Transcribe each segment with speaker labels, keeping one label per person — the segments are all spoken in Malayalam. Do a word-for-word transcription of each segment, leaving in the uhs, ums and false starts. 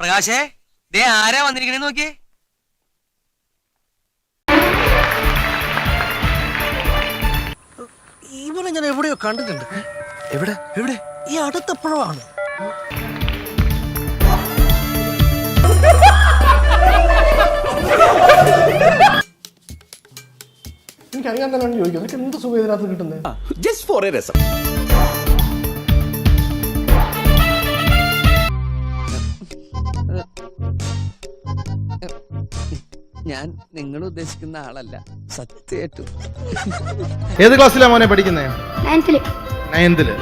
Speaker 1: പ്രകാശേ, ദേ ആരാ വന്നിരിക്കണേ നോക്കിയേ.
Speaker 2: ഇവനെ ഞാൻ എവിടെയോ കണ്ടിട്ടുണ്ട്.
Speaker 3: എവിടെ എവിടെ?
Speaker 2: ഈ അടുത്തപ്പോഴാണ്. എനിക്കറിയാൻ തന്നെയാണ് ചോദിക്കുന്നത്. എനിക്ക് എന്ത് സുഖം ഇതിനകത്ത് കിട്ടുന്നത്?
Speaker 3: ജസ്റ്റ് ഫോർ എ രസം.
Speaker 4: ഞാൻ നിങ്ങൾ ഉദ്ദേശിക്കുന്ന ആളല്ല, സത്യമായിട്ടും.
Speaker 5: ഏത് ക്ലാസ്സിലാ മോനെ പഠിക്കുന്നേ?
Speaker 6: നയൻത്തില്.
Speaker 5: നയൻത്തില്.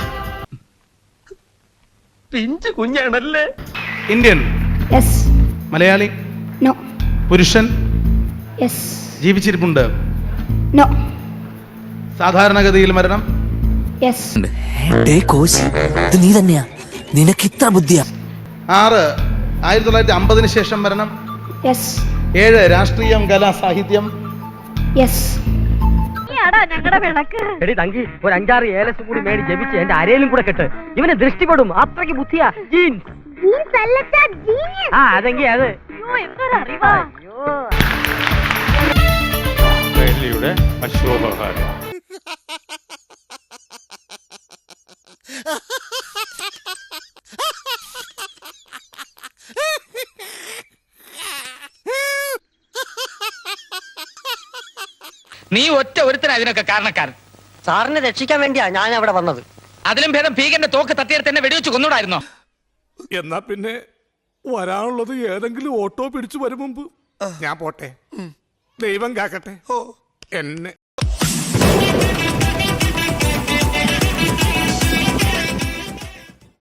Speaker 1: പിഞ്ചു കുഞ്ഞാണല്ലേ.
Speaker 5: ഇന്ത്യൻ?
Speaker 6: യെസ്.
Speaker 5: മലയാളി?
Speaker 6: നോ.
Speaker 5: പുരുഷൻ?
Speaker 6: യെസ്.
Speaker 5: ജീവിച്ചിരിപ്പുണ്ട്?
Speaker 6: നോ.
Speaker 5: സാധാരണഗതിയിൽ മരണം?
Speaker 6: യെസ്.
Speaker 4: ഇത് നീ തന്നെയാ, നിനക്ക് ഇത്ര ബുദ്ധിയാ.
Speaker 5: ആറ് ആയിരത്തി തൊള്ളായിരത്തി അമ്പതിന് ശേഷം മരണം?
Speaker 6: യെസ്.
Speaker 5: ഏഴ് രാഷ്ട്രീയം, കല, സാഹിത്യം?
Speaker 6: യെസ്.
Speaker 7: എടി തങ്കി, ഒരു അഞ്ചാറ് ഏലസ് കൂടി മേടി ജപിച്ച് എന്റെ അരയിലും കൂടെ കെട്ട്. ഇവനെ ദൃഷ്ടിപ്പെടും, അത്രയ്ക്ക് ബുദ്ധിയാ. ജീൻസ്. ആ അതെങ്കി അത്.
Speaker 8: അശോകഹാരം.
Speaker 1: നീ ഒറ്റ ഒരുത്തന അതിനൊക്കെ കാരണക്കാരൻ.
Speaker 7: സാറിനെ രക്ഷിക്കാൻ വേണ്ടിയാ ഞാൻ അവിടെ വന്നത്.
Speaker 1: അതിലും ഭേദം ഭീകരന്റെ തോക്ക് തട്ടിയെടുത്ത് എന്നെ വെടിവെച്ച് കൊന്നൂടായിരുന്നോ?
Speaker 8: എന്നാ പിന്നെ വരാനുള്ളത് ഏതെങ്കിലും ഓട്ടോ പിടിച്ചു വരും മുമ്പ് ഞാൻ പോട്ടെ. ദൈവം കാക്കട്ടെ എന്നെ.